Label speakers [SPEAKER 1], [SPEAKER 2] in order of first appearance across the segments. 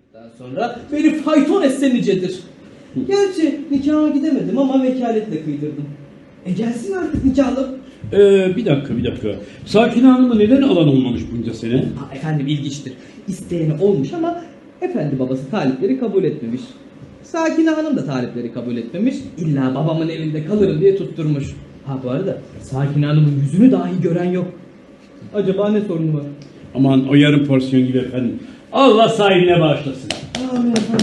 [SPEAKER 1] Daha sonra beni fayton etse nicedir. Gerçi nikaha gidemedim ama vekaletle kıydırdım. Gelsin artık nikahlı.
[SPEAKER 2] Bir dakika. Sakine Hanım'ı neden alan olmamış bunca sene?
[SPEAKER 1] Efendim ilginçtir. İsteyeni olmuş ama efendi babası talipleri kabul etmemiş. Sakine Hanım da talipleri kabul etmemiş. İlla babamın evinde kalırım diye tutturmuş. Bu arada Sakine Hanım'ın yüzünü dahi gören yok. Acaba ne sorunu var?
[SPEAKER 2] Aman o yarım porsiyon gibi efendim. Allah sahibine bağışlasın.
[SPEAKER 1] Amin efendim.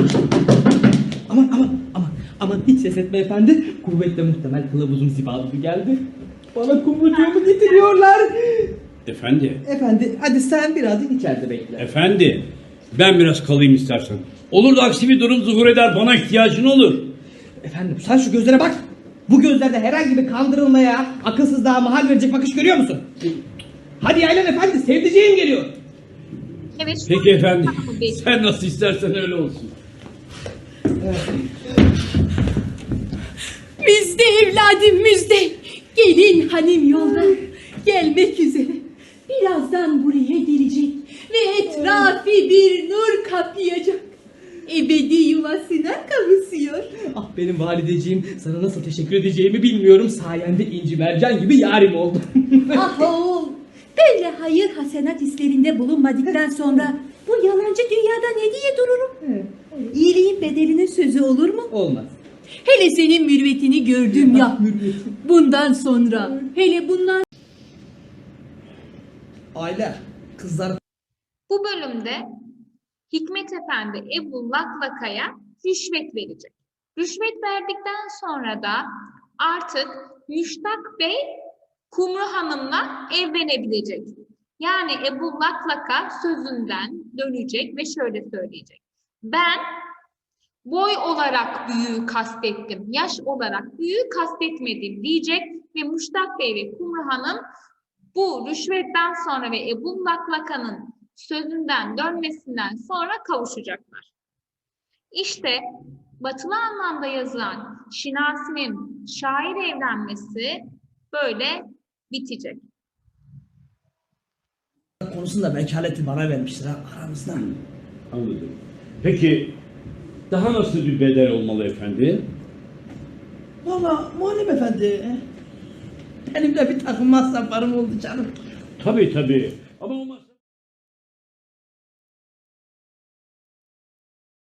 [SPEAKER 1] Aman hiç ses etme efendi. Kuvvetle muhtemel kılavuzum zibadı geldi. Bana kumrucuğumu getiriyorlar.
[SPEAKER 2] Efendi,
[SPEAKER 1] Hadi sen biraz içeride bekle.
[SPEAKER 2] efendi. Ben biraz kalayım istersen. Olur da aksi bir durum zuhur eder, bana ihtiyacın olur.
[SPEAKER 1] Efendim sen şu gözlere bak. Bu gözlerde herhangi bir kandırılmaya, akılsızlığa mahal verecek bakış görüyor musun? Hadi yaylan efendi, sevdiceğim geliyor.
[SPEAKER 3] Evet, şu
[SPEAKER 2] Peki
[SPEAKER 3] an-
[SPEAKER 2] efendi,
[SPEAKER 3] Tamam, peki.
[SPEAKER 2] sen nasıl istersen öyle olsun.
[SPEAKER 4] Müjde evladım müjde. Gelin hanım yolda. Gelmek üzere. Birazdan buraya gelecek. Ve etrafı bir nur kaplayacak. Ebedi yuvasına kavuşuyor.
[SPEAKER 1] Benim valideciğim, sana nasıl teşekkür edeceğimi bilmiyorum. Sayende inci mercan gibi yarim oldu.
[SPEAKER 4] Ah oğul. Böyle hayır hasenat hislerinde bulunmadıktan sonra bu yalancı dünyada ne diye dururum? İyiliğin bedelinin sözü olur mu?
[SPEAKER 1] Olmaz.
[SPEAKER 4] Hele senin mürüvvetini gördüm ya. Bundan sonra, hele bundan
[SPEAKER 1] Aile, kızlar
[SPEAKER 3] Bu bölümde Hikmet Efendi Ebu Laklaka'ya rüşvet verecek. Rüşvet verdikten sonra da artık Müştak Bey Kumru Hanım'la evlenebilecek. Yani Ebu Laklaka sözünden dönecek ve şöyle söyleyecek. Ben boy olarak büyüğü kastettim, yaş olarak büyüğü kastetmedim diyecek ve Müştak Bey ve Kumru Hanım bu rüşvetten sonra ve Ebu Laklaka'nın sözünden dönmesinden sonra kavuşacaklar. İşte batılı anlamda yazılan Şinasi'nin şair evlenmesi böyle bitecek.
[SPEAKER 1] konusunda vekaleti bana vermiştir aramızda.
[SPEAKER 2] Anladım. Peki, daha nasıl bir bedel olmalı efendi?
[SPEAKER 1] Valla Muharrem Efendi, benim de bir takım masraflarım oldu canım.
[SPEAKER 2] Tabii. Ama